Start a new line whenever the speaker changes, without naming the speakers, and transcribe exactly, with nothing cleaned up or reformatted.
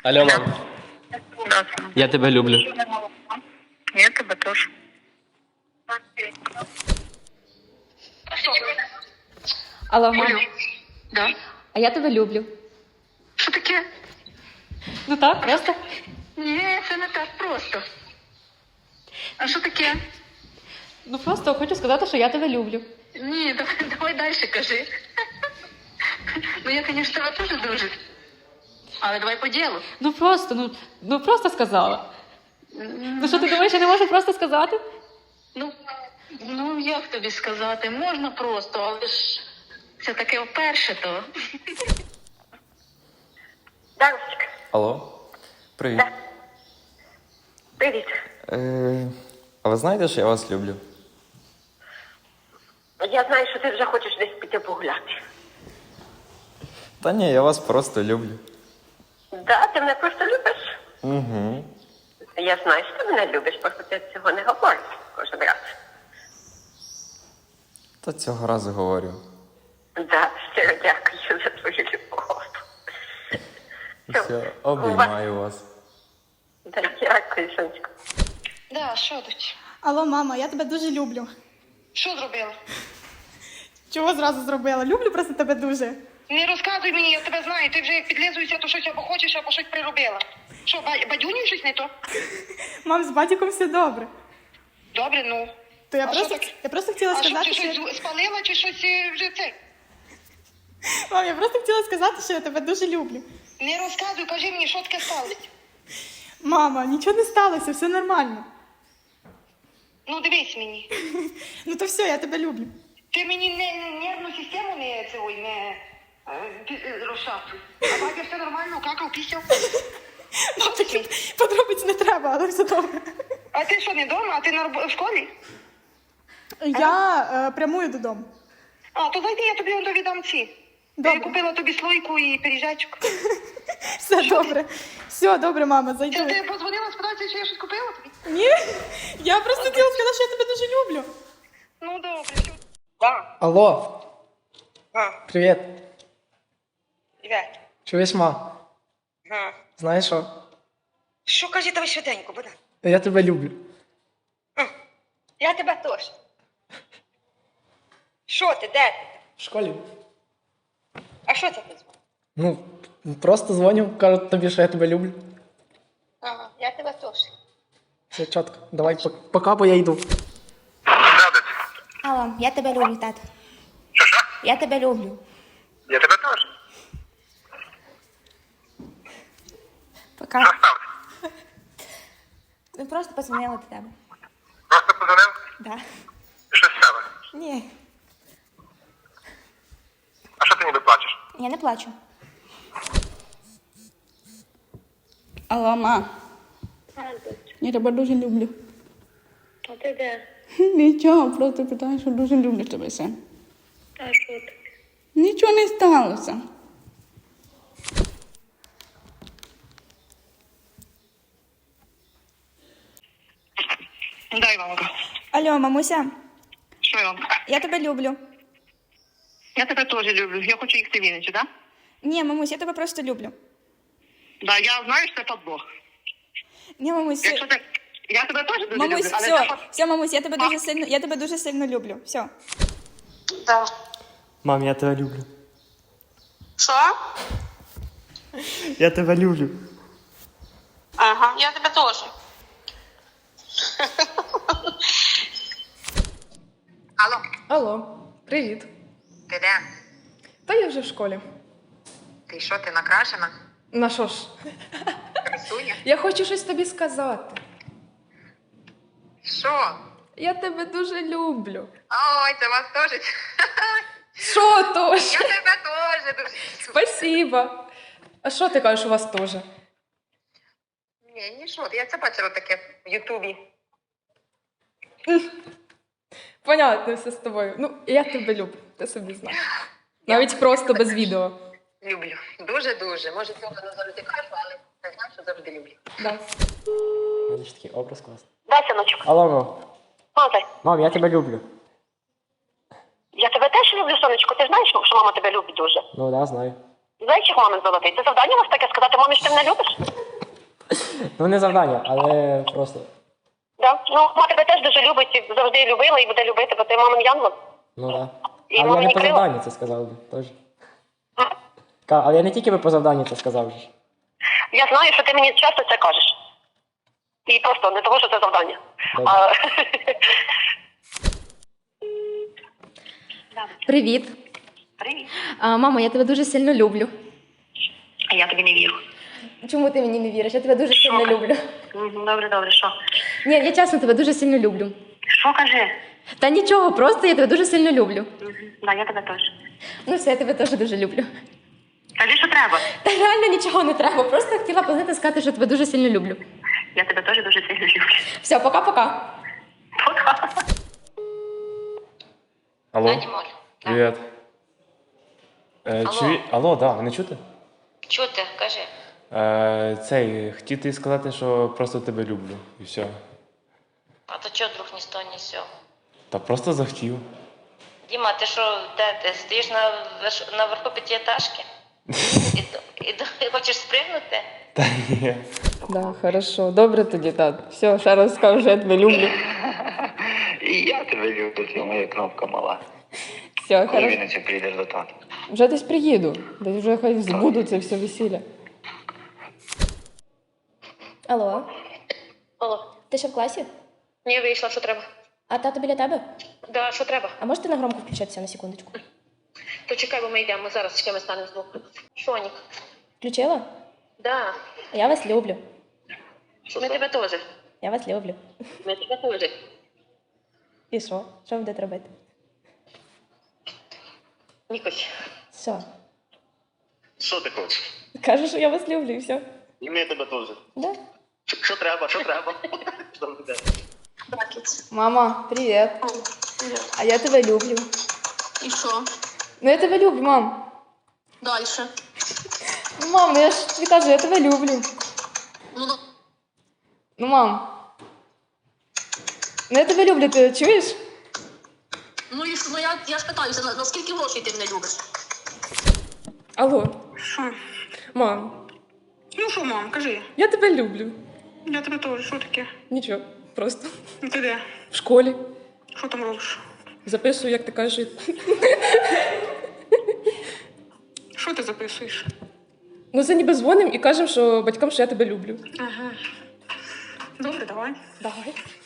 Алло, мам,
Да.
я тебе люблю.
Я тебе теж.
Алло, мам,
Да.
а я тебе люблю.
Що таке?
Ну так, просто.
Ні, це не так просто. А що таке?
Ну просто хочу сказати, що я тебе люблю.
Ні, давай, давай далі кажи. Ну я, звісно, тебе теж дуже. Але давай по ділу.
Ну просто, ну, ну просто сказала. Ну що ти думаєш, я не можу просто сказати?
Ну, ну як тобі сказати? Можна просто, але ж це таке вперше то.
Дарочка,
Алло, привіт.
Да. привіт.
Е, а ви знаєте, що я вас люблю?
Я знаю, що ти вже хочеш десь піти погуляти.
Та ні, я вас просто люблю.
Да, ти мене просто любиш.
Угу.
Я знаю, що ти мене любиш, просто ти цього не говориш кожен раз.
Та цього разу говорю.
Да, щиро дякую за твою любов.
Все, обіймаю вас.
Да, дякую, сонечко.
Да, що тут?
Алло, мама, я тебе дуже люблю.
Що зробила?
Чого зразу зробила? Люблю просто тебе дуже.
Не розказуй мені, я тебе знаю. Ти вже як підлизуєшся, то щось або хочеш, або щось приробила. Що, ба- бадюнів щось не то?
Мам, з батьком все добре.
Добре, ну.
То я
А
просто,
що таке?
я просто хотіла
А що,
сказати,
ти
що...
щось спалила, чи щось е, вже це?
Мам, я просто хотіла сказати, що я тебе дуже люблю.
Не розказуй, кажи мені, що таке сталося.
Мама, нічого не сталося, все нормально.
Ну, дивись мені.
Ну то все, я тебе люблю.
Ти мені не, не нервну систему не, це, ой, не е, пі- е, розшатуй. А батя все нормально, какав, пісяв.
Мам, таких подробиць не треба, але все добре.
А ти що, не вдома? А ти на роб- в школі?
Я е, прямую додому.
А, то зайди, я тобі он довідам ці.
Добре.
Я купила тобі слойку і пиріжечок.
Все добре. Все добре, мама,
Це
зайду.
ти позвонила, спитатися, чи я щось купила тобі?
Ні, я просто хотіла сказати, що я тебе дуже люблю.
Ну, добре, все.
Да.
Алло,
А,
привіт.
привіт.
Чуєш, ма?
Ага.
Знаєш що?
Що кажи тобі швиденько, Богдан?
Я тебе люблю.
А, я тебе теж. Що ти, де ти?
В школі.
А що це ти дзвониш?
Ну, просто дзвоню, кажу тобі, що я тебе люблю.
Ага, я тебе теж.
Все чітко. Давай, пок- пока, бо я йду.
Алло, я тебе люблю, тато.
Що, що?
Я тебе люблю.
Я тебе теж.
Пока.
Що сталося?
Ну, просто подзвонила до тебе.
Просто подзвонив?
Да.
І щось сталося?
Ні,
А що ти ніби плачеш?
я не плачу.
Алло, ма, я тебе дуже люблю.
А ти де?
Нічого, просто питаю, що дуже люблю тебе, син.
А що таке?
Нічого не сталося.
Дай, мамка.
Алло, мамуся,
Що я вам?
я тебе люблю.
Я тебе теж люблю. Я хочу їхати в Вінницю, так?
Ні, мамусь, я тебе просто люблю.
Да, я знаю, що це подбог.
Ні, мамусь,
Якщо ти... Я тебе теж дуже
мамусь,
люблю, але
все,
це под-
все, мамусь, я тебе дуже сильно, я тебе дуже сильно люблю. Все.
Да.
Мам, я тебе люблю.
Що?
Я тебе люблю.
Ага, я тебе теж. Алло,
Алло, привіт.
ти де?
Та я вже в школі.
Ти що, ти накрашена?
На що ж?
Красуня?
Я хочу щось тобі сказати.
Що?
Я тебе дуже люблю.
Ой, це вас теж.
Що тож?
Я тебе теж дуже.
Спасибо. А що ти кажеш, у вас теж?
Ні, ні, що, я це бачила таке в Ютубі.
Понятно все з тобою. Ну, я тебе люблю, ти собі знаєш. Навіть просто без відео.
Люблю. Дуже-дуже. Може, цього не завжди кажу, але я знаю, що завжди люблю.
Да.
У мене ж такий образ класний.
Да, синочок.
Алло, мам.
Мазай,
Мам, я тебе люблю.
я тебе теж люблю, сонечко. Ти знаєш, що мама тебе любить дуже?
Ну, да, знаю.
Зайчик мамин золотий. Це завдання у вас таке сказати мамі, що ти мене любиш?
Ну не завдання, але просто.
Да. Ну, мама тебе теж дуже любить, і завжди любила і буде любити, бо ти мамин янгол.
Ну так.
І
Але я
мамині
не по
крила.
завданню це сказав би теж. Ка- Але я не тільки би по завданню це сказав. же ж.
Я знаю, що ти мені часто це кажеш. І просто не того, що це завдання.
Добре.
А...
Привіт.
Привіт.
А, мамо, я тебе дуже сильно люблю.
А я тобі не вірю.
Чому ти мені не віриш? Я тебе дуже сильно люблю.
Мгм, Добре, добре, що?
Ні, я чесно тебе дуже сильно люблю.
Що кажи?
Та нічого, просто я тебе дуже сильно люблю.
Мгм. Да, я тебе теж.
Ну все, я тебе теж дуже люблю.
Кажи, що треба.
Та реально нічого не треба. Просто хотіла познати сказати, що тебе дуже сильно люблю.
Я тебе теж дуже сильно люблю.
Все, пока-пока.
Пока.
Алло,
Дімоль.
привіт. Е,
Алло.
чуї... Алло, да, мене чути?
Чути, кажи.
Е, цей, хотів тобі сказати, що просто тебе люблю. І все.
А то чого вдруг ні з того, ні з цього?
Та просто захотів.
Діма, ти що, де ти? Стоїш на, верш... на верху п'ятиэтажки? І, д- і, д- і хочеш спригнути?
Та ні.
Да, хорошо. Добре тоді, тат. Все, ще раз скажу, що я тебе люблю.
І я тебе люблю, це моя кнопка мала.
Все, хорошо.
Вінниці прийдеш до тата.
Вже десь приїду. Десь вже хай збуду це все весілля.
Алло,
Алло.
ти ще в класі?
Ні, вийшла, що треба?
А тато біля тебе?
Да, що треба?
А можете на громко включитися на секундочку?
То чекай, бо ми йдемо, ми зараз чекаємо, станемо з боку. Шонік.
Включила?
Да,
Я вас люблю.
ми тебе теж.
Я вас люблю.
Ми тебе теж.
І що? Що ви будете робити?
Нікось.
Все.
Що ти хочеш?
Кажу, що я вас люблю і все.
І ми тебе теж.
Да?
Що треба, що треба?
Мама, привіт. А я тебе люблю.
І що?
Ну я тебе люблю, мам.
Дальше.
Ну, мам, ну я ж тобі кажу, я тебе люблю.
Ну,
Ну, мам. Ну я тебе люблю, ти чуєш?
ну і що? Ну я, я ж питаюся, на, наскільки грошей ти мене любиш?
Алло,
Що?
мам,
Ну що, мам, кажи.
я тебе люблю.
Я тебе теж, що таке?
Нічого, просто
Ну ти де?
в школі.
Що там робиш?
Записую, як ти кажеш.
Що ти записуєш?
Ну це ніби дзвоним і кажемо, що батькам, що я тебе люблю.
Ага. Добре, давай.
Давай.